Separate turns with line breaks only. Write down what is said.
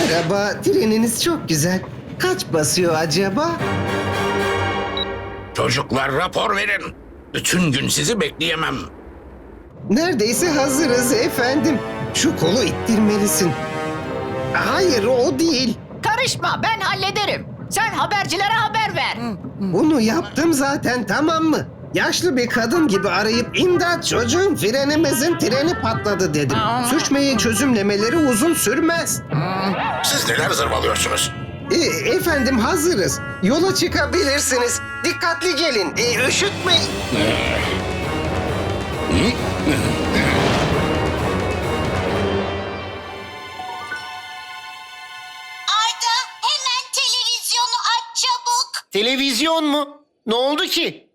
Merhaba, treniniz çok güzel. Kaç basıyor acaba?
Çocuklar rapor verin. Bütün gün sizi bekleyemem.
Neredeyse hazırız efendim. Şu kolu ittirmelisin. Hayır, o değil.
Karışma, ben hallederim. Sen habercilere haber ver.
Bunu yaptım zaten, tamam mı? Yaşlı bir kadın gibi arayıp imdat çocuğum frenimizin treni patladı dedim. Sürçmeyi çözümlemeleri uzun sürmez.
Siz neler zırvalıyorsunuz?
Efendim hazırız. Yola çıkabilirsiniz. Dikkatli gelin. Üşütmeyin.
Arda hemen televizyonu aç çabuk.
Televizyon mu? Ne oldu ki?